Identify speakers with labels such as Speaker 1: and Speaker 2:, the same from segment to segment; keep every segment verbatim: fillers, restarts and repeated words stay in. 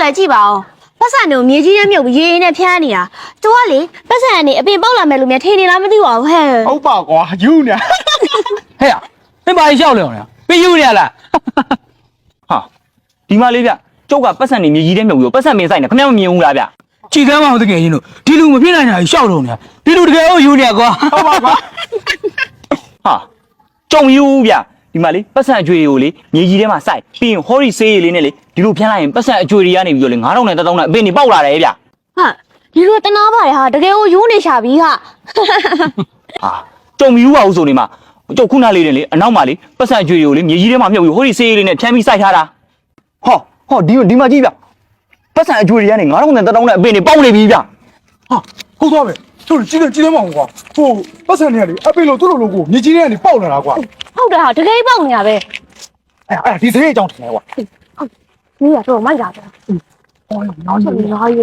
Speaker 1: လည်းကြည့်ပါဦးပတ်စံတို့မြေကြီးနဲ့မြုပ်ပြီးရေရင်နဲ့ဖျားနေတာသူကလေပတ်စံကနေအပြင်ပေါက်လာမယ်လို့များထင်နေလားမသိပါဘူးဟဲ့
Speaker 2: ဟုတ်ပါကွာယူနေ
Speaker 3: ဟဲ့မင်းဘာကြီးရှောက်လဲအောင်လားပြယူနေရလား
Speaker 4: ဟာဒီမှာလေးဗျကျုပ်ကပတ်စံနေမြေကြီးထဲမြုပ်ပြီးပတ်စံမင်းဆိုင်နေခင်ဗျားမမြင်ဘူးလားဗျ
Speaker 3: ကြည်ကမ်းမအောင်တကယ်ချင်းတို့ဒီလူမဖြစ်နိုင်တာရှောက်တော့နေတာဒီလူတကယ်ဟုတ်ယူနေကွာ
Speaker 2: ဟုတ်ပါကွာ
Speaker 4: ဟာကြုံယူဗျဒီမှာလေပတ်စံအကျွေတွေကိုလေမြေကြီးထဲမှာစိုက်ပြီးရင်ဟော်ရီဆေးရည်လေးနဲ့လေဒီလိုဖျန်းလိုက်ရင်ပတ်စံအကျွေတွေကနေပြီးတော့လေငါးထောင်နဲ့တစ်သောင်းနဲ့အပင်တွေပေါက်လာတယ်ဗျ
Speaker 1: ဟာဒီလိုတနာပါတယ်ဟာတကယ်ကိုယူနေရှာပြီဟာ
Speaker 4: ဟာကြုံယူပါဦးဆိုနေမှာကျုပ်ခုနလေးနဲ့လေအနောက်မှာလေပတ်စံအကျွေတွေကိုလေမြေကြီးထဲမှာမြုပ်ပြီးဟော်ရီဆေးရည်လေးနဲ့ဖျန်းပြီးစိုက်ထားတာဟောဟောဒီဒီမှာကြည့်ဗျပတ်စံအကျွေတွေကနေငါးထောင်နဲ့တစ်သောင်းနဲ့အပင်တွေပေါက်နေပြီဗျ
Speaker 2: ဟာဟုတ်သွားပဲတို့ကြီးတယ်ကြီးတယ်မအောင်ကွာဟိုပတ်စံနေရလေအပိလို့သူ့လိုလိုကိုမြေကြီးထဲကနေပေါက်လာတာကွာ
Speaker 1: ဟုတ်တယ်ဟာတကယ်ပေါက်နေတာပဲ
Speaker 2: အဲ့အဲ့ဒီသေးအကြောင်းထင်တယ်ကွာ
Speaker 1: ဟုတ်နေရတော့မိုက်တာပဲ
Speaker 2: ဟောနောက်နေ
Speaker 1: လာရေ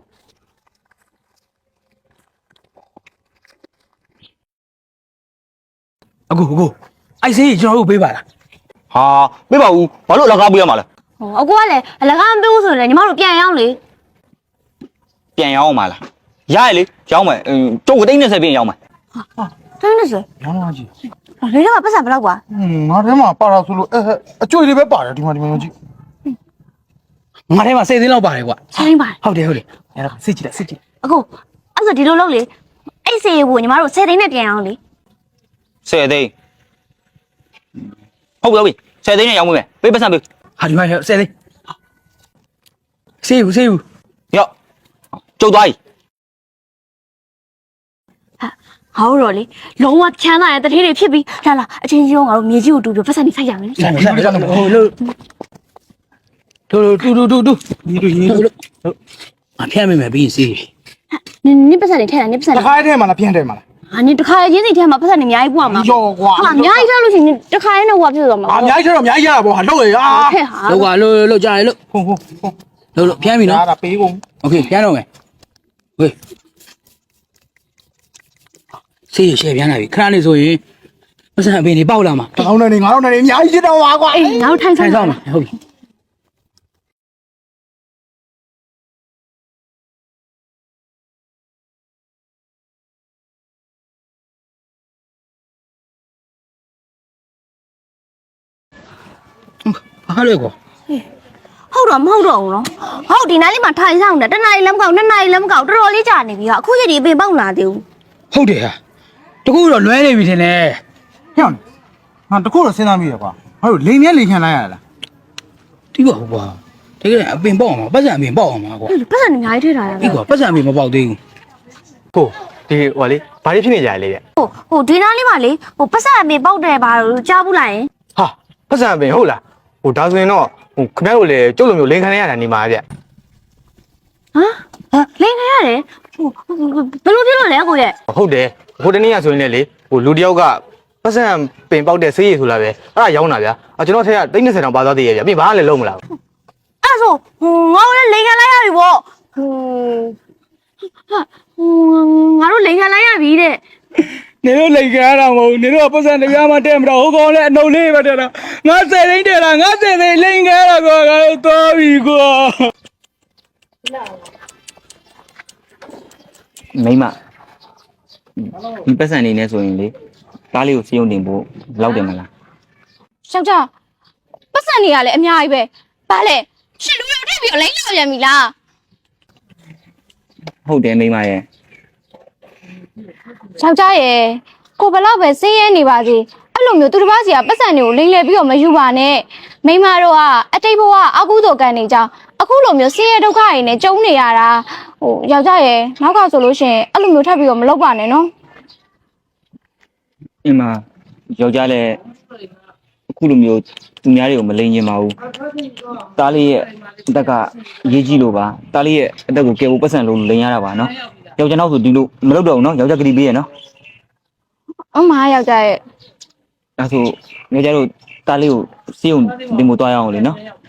Speaker 3: အခုအခုအိုက်ဆေးကျွန်တော်တို့ပေးပါလား
Speaker 4: ဟာပေးပါဦးဘာလို့အလကားပေးရမှာလဲ
Speaker 1: ဟောအကူကလည်းအလကားမပေးဘူးဆိုရင်ညီမတို့ပြန်ရောက်လေ
Speaker 4: ပြန်ရောက်အောင်ပါလားရရလေရောက်မယ်ကျုပ်ကတိတ်20ပြင်ရောက်မယ်
Speaker 1: ဟာတိတ်20
Speaker 2: ရောင်းလာကြည့်
Speaker 1: လေတော့ပတ်စံဘယ်လောက်ကွာ
Speaker 2: ဟင်းငါထဲမှာပါတာဆိုလို့အဲအကျွေလေးပဲပါတယ်ဒီမှာဒီမှာကြည့်
Speaker 3: ငါထဲမှာစိတ်သိန်းလောက်ပါတယ်ကွာ
Speaker 1: စိတ်သိန်းပါတယ်
Speaker 3: ဟုတ်တယ်ဟုတ်တယ်အဲ့ဒါစစ်ကြည့်လိုက်စစ်ကြည့်
Speaker 1: အကူအဲ့ဆိုဒီလိုလုပ်လေအဲ့စေးကိုညီမတို့10သိန်းနဲ့ပြန်အောင်လေ
Speaker 4: 10သိန်းဟုတ်ပြီ10သိန်းနဲ့ရောက်မယ်ပေးပတ်စံပေး
Speaker 3: ဟာဒီမှာ10သိန်းစေးဘူးစေးဘူး
Speaker 4: ရောက်ကျုပ်သွားပြီ
Speaker 1: ဟောတော့လေလုံးဝချမ်းသာတဲ့တထေးတွေဖြစ်ပြီးလာလာအချင်းချင်းငါတို့မြေကြီးကိုတူပြီးပတ်စံနေဆိုင်ရမယ်
Speaker 3: ဆိုင်ဆိုင်ဟိုလို့တူတူတူတူတူဒီလိုရေးလို့အဖျက်မိမယ်ပြီးစီ
Speaker 1: နင်းနင်းပတ်စံနေထဲတာနင်းပတ်စံ
Speaker 2: တစ်ခါထဲမှာလားပြန်ထဲမှာလား
Speaker 1: ဟာနင်းတစ်ခါချင်းစီထဲမှာပတ်စံနေအများကြီးပွားမှာ
Speaker 2: ရောကွာ
Speaker 1: ဟာအများကြီးထားလို့ရှိရင်တစ်ခါရင်တော့ဟွာဖြစ်သွားမှာ
Speaker 2: အများကြီးထားတော့အများကြီးရတာပေါ့ဟာလောက်ရဟာ
Speaker 3: လောက်ကလို့လို့ကြားရလို့
Speaker 2: ဟုတ်ဟုတ်ဟုတ်
Speaker 3: လို့လို့ဖျက်ပြီနော်
Speaker 2: ဒါပေးကုန်
Speaker 3: โอเคဖျက်တော့မယ်ဟေးဆေးရရှယ်ပြန်လာပြီခဏလေးဆိုရင်ပတ်စံအပင်တွေပေါက်လာမှာ
Speaker 2: တစ်ထောင်နဲ့ငါးထောင်နဲ့အများကြီးဖြစ်တော့ပါကွာ
Speaker 1: အေးငါတို့ထိုင်
Speaker 3: ဆိုင်ဆောင်မှာဟုတ်ပြီဘာလဲကွာ
Speaker 1: ဟုတ်တော့မဟုတ်တော့ဘူးနော်ဟုတ်ဒီနားလေးမှာထိုင်ဆောင်တယ်တနားလေးလည်းမကောက်နှစ်နားလေးလည်းမကောက်တော်တော်လေးကြာနေပြီဟာအခုရက်ဒီအပင်ပေါက်လာသေးဘူး
Speaker 3: ဟုတ်တယ်ဟာတကူတော့လွဲနေပြီထင်တယ်
Speaker 2: ဟဲ့ဟာတကူတော့စဉ်းစားမိရကွာဟာတို့လိန်မြဲလိန်ခံလိုက်ရလား
Speaker 3: တီးပါဘူးကွာတကယ်အပင်ပေါက်အောင်ပါပတ်စံအပင်ပေါက်အောင်ပါကွာ
Speaker 1: ပတ်စံအများကြီးထည့်ထားတာ
Speaker 3: ဒီကွာပတ်စံအပင်မပေါက်သေးဘူး
Speaker 4: ကိုဒီဟိုလေဘာတွေဖြစ်နေကြလဲဗျ
Speaker 1: ဟိုဟိုဒီနားလေးမှာလေဟိုပတ်စံအပင်ပေါက်တယ်ဘာလို့ကြားဘူးလားယင်
Speaker 4: ဟာပတ်စံအပင်ဟုတ်လားဟိုဒါဆိုရင်တော့ဟိုခင်ဗျားတို့လည်းကျုပ်လိုမျိုးလိန်ခံရတာနေမှာဗျ
Speaker 1: ဟမ်ဟမ်လိန်ခံရတယ်ဟိုဘယ်လိုဖြစ်လို့လဲကိုရဲ့
Speaker 4: ဟုတ်တယ်ဟိုတနေ့ကဆိုရင်လည်းလေဟိုလူတယောက်ကပတ်စံပင်ပေါက်တဲ့ဆေးရည်ဆိုလာပဲအဲ့ဒါရောင်းတာဗျာကျွန်တော်ထက်ကတိတ်20တောင်ပါသွားသေးရဲ့ဗျာပြင်ဘာလည်းလုံးမလား
Speaker 1: အဲ့ဆိုဟိုငါတို့လည်းလိန်ခံလိုက်ရပြီပေါ့ဟိုဟာဟိုငါတို့လိန်ခံလိုက်ရပြီတဲ့
Speaker 3: နေတို့လိန်ခံရတာမဟုတ်နေတို့ကပတ်စံတရားမှတဲ့မတော့ဟိုကောင်လည်းအနှုတ်လေးပဲတဲ့တာငါ10သိန်းတဲ့လားငါ10သိန်းလိန်ခံရတာကွာငါတို့သွားပြီကွာ
Speaker 4: မိမဒီပတ်စံနေနေဆိုရင်လေကားလေးကိုစီးုံတင်ဖို့လောက်တယ်မလား
Speaker 1: ယောက်ျားပတ်စံနေရလေအများကြီးပဲဘာလဲရှင်လူရောက်ထည့်ပြီးလိန်လောက်ပြန်ပြီလား
Speaker 4: ဟုတ်တယ်မိမရဲ့
Speaker 1: ယောက်ျားရဲ့ကိုဘလောက်ပဲစင်းရဲနေပါစေအဲ့လိုမျိုးသူတစ်ပါးစီကပတ်စံတွေကိုလိန်လဲပြီးတော့မယူပါနဲ့မိမတို့ကအတိတ်ဘဝအကုသိုလ်ကံနေကြအခုလိုမျိုးစင်းရဲဒုက္ခတွေနဲ့ကြုံနေရတာဟိုယောက်ျားရဲ့နောက်ကဆိုလို့ရှိရင်အဲ့လိုမျိုးထပ်ပြီးတော့မလုပ်ပါနဲ့နော်
Speaker 4: အင်းမယောက်ျားလည်းအခုလိုမျိုးသူများတွေကိုမလိန်ကျင်ပါဘူးတားလေးရဲ့အသက်ကရေးကြည့်လို့ပါတားလေးရဲ့အသက်ကိုကယ်ဖို့ပတ်စံလို့လိန်ရတာပါနော်ယောက်ျားနောက်ဆိုဒီလိုမလုပ်တော့ဘူးနော်ယောက်ျားကတိပေးရနော်
Speaker 1: အမယောက်ျားရဲ့
Speaker 4: အဲ့ဆိုယောက်ျားတို့တားလေးကိုစီးုံတင်ဖို့တွားရအောင်လေနော်